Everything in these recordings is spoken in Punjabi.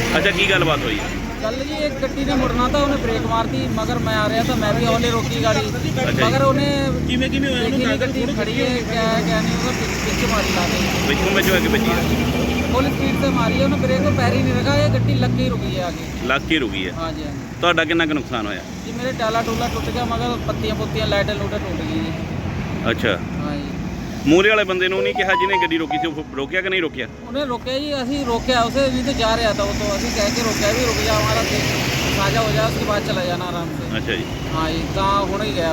ਅੱਛਾ, ਕੀ ਗੱਲਬਾਤ ਹੋਈ? ਗੱਲ ਜੀ ਇੱਕ ਗੱਡੀ ਨੇ ਮੁੜਨਾ ਤਾਂ ਉਹਨੇ ਬ੍ਰੇਕ ਮਾਰਤੀ, ਮਗਰ ਮੈਂ ਆ ਰਿਹਾ ਤਾਂ ਮੈਂ ਵੀ ਹੌਲੇ ਰੋਕੀ ਗਾੜੀ, ਮਗਰ ਉਹਨੇ ਕਿਵੇਂ ਹੋਇਆ ਦੇਖੀ ਗੱਡੀ ਖੜੀ ਹੈ ਕਿਆ ਨਹੀਂ ਉਹਦਾ ਪਿੱਛੇ ਮਾਰੀ ਲਾ ਕੇ ਵਿੱਚੋਂ ਵਿੱਚ ਹੋਇਆ ਕਿ ਵੱਜੀ? फुल स्पीड से मारी है उन्होंने, ब्रेक को पैर ही नहीं रखा, ये गड्डी लग के ही रुकी है आगे, ਲੱਗ ਕੇ ਰੁਕੀ ਹੈ। हाँ जी हाँ जी। ਤੁਹਾਡਾ ਕਿੰਨਾ ਕੁ ਨੁਕਸਾਨ ਹੋਇਆ? जी मेरे टाला टूला टूट गया, मगर पत्तियां पुत्तियां लाइटें लूटें टूट गई जी। ਅੱਛਾ, हाँ जी। ਮੂਹਰੇ ਵਾਲੇ ਬੰਦੇ ਨੂੰ ਨਹੀਂ ਕਿਹਾ ਜਿਹਨੇ ਗੱਡੀ ਰੋਕੀ ਸੀ, ਉਹ ਰੋਕਿਆ ਕਿ ਨਹੀਂ ਰੋਕਿਆ? उन्हें रोका जी, असी रोकया उसे, नहीं तो जा रहा था वो, तो असी कह के रोकया भी रुक जा हमारा साझा हो जाए, उसके बाद चला जाना आराम से। ਅੱਛਾ ਜੀ। हाँ जी, कहाँ होने ही गया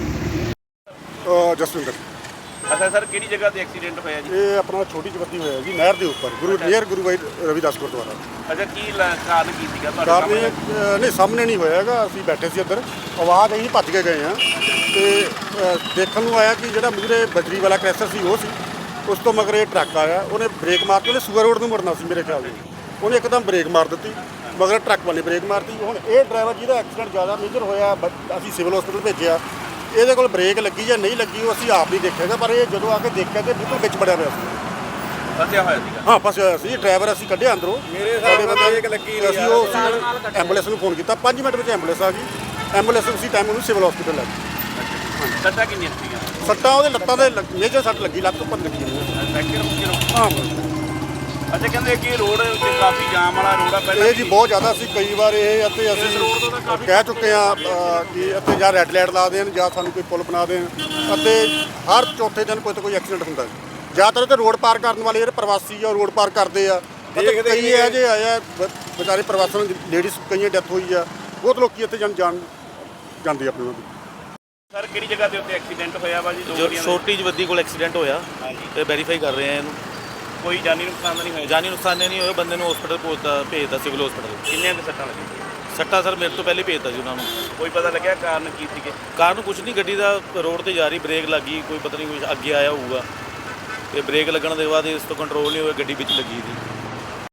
वो। ਜਸਵਿੰਦਰ। ਅੱਛਾ ਸਰ, ਕਿਹੜੀ ਜਗ੍ਹਾ ਤੇ ਐਕਸੀਡੈਂਟ ਹੋਇਆ ਜੀ? ਇਹ ਆਪਣਾ ਛੋਟੀ ਜਵੱਦੀ ਹੋਇਆ ਜੀ, ਨਹਿਰ ਦੇ ਉੱਪਰ ਗੁਰੂ ਭਾਈ ਰਵਿਦਾਸ ਗੁਰਦੁਆਰਾ। ਅੱਛਾ, ਕੀ ਕਾਰਨ ਕੀ ਸੀਗਾ ਤੁਹਾਡੇ ਕਾਰਨ ਸਾਹਮਣੇ? ਨਹੀਂ ਸਾਹਮਣੇ ਨਹੀਂ ਹੋਇਆ ਹੈਗਾ, ਅਸੀਂ ਬੈਠੇ ਸੀ ਇੱਧਰ, ਆਵਾਜ਼ ਅਸੀਂ ਭੱਜ ਕੇ ਗਏ ਹਾਂ ਤੇ ਦੇਖਣ ਨੂੰ ਆਇਆ ਕਿ ਜਿਹੜਾ ਮੂਹਰੇ ਬਜਰੀ ਵਾਲਾ ਕ੍ਰੈਸ਼ਰ ਸੀ ਉਹ ਸੀ, ਉਸ ਤੋਂ ਮਗਰ ਇਹ ਟਰੱਕ ਆਇਆ, ਉਹਨੇ ਬ੍ਰੇਕ ਮਾਰ ਕੇ, ਉਹਨੇ ਸੂਆ ਰੋਡ ਨੂੰ ਮੁੜਨਾ ਸੀ ਮੇਰੇ ਖਿਆਲ ਨਾਲ, ਉਹਨੇ ਇੱਕਦਮ ਬ੍ਰੇਕ ਮਾਰ ਦਿੱਤੀ, ਮਗਰ ਟਰੱਕ ਵਾਲੇ ਬ੍ਰੇਕ ਮਾਰਤੀ। ਹੁਣ ਇਹ ਡਰਾਈਵਰ ਜਿਹਦਾ ਐਕਸੀਡੈਂਟ ਜ਼ਿਆਦਾ ਮੇਜਰ ਹੋਇਆ, ਅਸੀਂ ਸਿਵਲ ਹਸਪੀਟਲ ਭੇਜਿਆ, ਇਹਦੇ ਕੋਲ ਬ੍ਰੇਕ ਲੱਗੀ ਜਾਂ ਨਹੀਂ ਲੱਗੀ ਉਹ ਅਸੀਂ ਆਪ ਨਹੀਂ ਦੇਖਿਆਗਾ, ਪਰ ਇਹ ਜਦੋਂ ਆ ਕੇ ਦੇਖਿਆ ਤੇ ਬਿਲਕੁਲ ਵਿੱਚ ਵੜਿਆ ਪਿਆ ਸੀ। ਫਸਿਆ ਹੋਇਆ ਸੀਗਾ? ਹਾਂ, ਫਸਿਆ ਹੋਇਆ ਸੀ। ਡਰਾਈਵਰ ਅਸੀਂ ਕੱਢਿਆ ਅੰਦਰੋਂ, ਮੇਰੇ ਹਿਸਾਬ ਨਾਲ ਬ੍ਰੇਕ ਲੱਗੀ ਨਹੀਂ, ਅਸੀਂ ਉਹ ਐਂਬੂਲੈਂਸ ਨੂੰ ਫੋਨ ਕੀਤਾ, 5 ਮਿੰਟ ਵਿੱਚ ਐਂਬੂਲੈਂਸ ਆ ਗਈ, ਐਂਬੂਲੈਂਸ ਉਸੇ ਟਾਈਮ ਉਹਨੂੰ ਸਿਵਲ ਹਸਪੀਟਲ ਲੈ ਗਈ। ਸੱਟਾਂ ਕਿੰਨੀਆਂ ਸੀਗੀਆਂ? ਸੱਟਾਂ ਉਹਦੇ ਲੱਤਾਂ ਦੇ ਮੇਜਰ ਸੱਟ ਲੱਗੀ, ਲੱਤ ਉੱਪਰ ਲੱਗੀ ਹਾਂ। ਅੱਛਾ, ਕਹਿੰਦੇ ਕਿ ਰੋਡ ਤੇ ਕਾਫੀ ਜਾਮ ਵਾਲਾ ਰੋਡ ਆ ਪਹਿਲਾਂ। ਇਹ ਜੀ ਬਹੁਤ ਜ਼ਿਆਦਾ ਸੀ, ਕਈ ਵਾਰ ਇਹ ਅਤੇ ਅਸੀਂ ਕਹਿ ਚੁੱਕੇ ਹਾਂ ਕਿ ਅਤੇ ਜਾਂ ਰੈੱਡ ਲਾਈਟ ਲਾ ਦੇਣ ਜਾਂ ਸਾਨੂੰ ਕੋਈ ਪੁਲ ਬਣਾ ਦੇਣ, ਅਤੇ ਹਰ ਚੌਥੇ ਦਿਨ ਕੋਈ ਤਾਂ ਕੋਈ ਐਕਸੀਡੈਂਟ ਹੁੰਦਾ ਹੈ। ਜ਼ਿਆਦਾਤਰ ਤੇ ਰੋਡ ਪਾਰ ਕਰਨ ਵਾਲੇ ਜਿਹੜੇ ਪ੍ਰਵਾਸੀ ਆ ਰੋਡ ਪਾਰ ਕਰਦੇ ਆ, ਅਤੇ ਕਈ ਇਹੋ ਜਿਹੇ ਆਏ ਆ ਵਿਚਾਰੇ ਪ੍ਰਵਾਸੀਆਂ ਨੂੰ, ਲੇਡੀਜ਼ ਕਈਆਂ ਡੈਥ ਹੋਈ ਆ, ਬਹੁਤ ਲੋਕੀ ਇੱਥੇ ਜਾਂਦੇ ਆਪਣੇ ਉਹਨਾਂ ਦੀ। ਸਰ, ਕਿਹੜੀ ਜਗ੍ਹਾ ਤੇ ਉੱਤੇ ਐਕਸੀਡੈਂਟ ਹੋਇਆ ਵਾ ਜੀ? ਛੋਟੀ ਜਵੱਦੀ ਕੋਲ ਐਕਸੀਡੈਂਟ ਹੋਇਆ ਤੇ ਵੈਰੀਫਾਈ ਕਰ ਰਹੇ ਆ ਇਹਨੂੰ। ਕੋਈ ਜਾਨੀ ਨੁਕਸਾਨ ਤਾਂ ਨਹੀਂ ਹੋਇਆ? ਜਾਨੀ ਨੁਕਸਾਨ ਨਹੀਂ ਹੋਇਆ, ਬੰਦੇ ਨੂੰ ਹਸਪੀਟਲ ਭੇਜਤਾ ਸਿਵਲ ਹਸਪੀਟਲ। ਕਿੰਨੀਆਂ ਕੁ ਸੱਟਾਂ ਲੱਗੀਆਂ? ਸੱਟਾਂ ਸਰ ਮੇਰੇ ਤੋਂ ਪਹਿਲੇ ਭੇਜਤਾ ਜੀ ਉਹਨਾਂ ਨੂੰ। ਕੋਈ ਪਤਾ ਲੱਗਿਆ ਕਾਰਨ ਕੀ ਸੀਗੇ? ਕਾਰਨ ਕੁਝ ਨਹੀਂ, ਗੱਡੀ ਦਾ ਰੋਡ ਤੇ ਜਾ ਰਹੀ, ਬ੍ਰੇਕ ਲੱਗੀ, ਕੋਈ ਪਤਾ ਨਹੀਂ ਕੁਝ ਅੱਗੇ ਆਇਆ ਹੋਊਗਾ, ਤੇ ਬ੍ਰੇਕ ਲੱਗਣ ਦੇ ਬਾਅਦ ਇਸ ਤੋਂ ਕੰਟਰੋਲ ਨਹੀਂ ਹੋਇਆ, ਗੱਡੀ ਵਿੱਚ ਲੱਗੀ ਸੀ।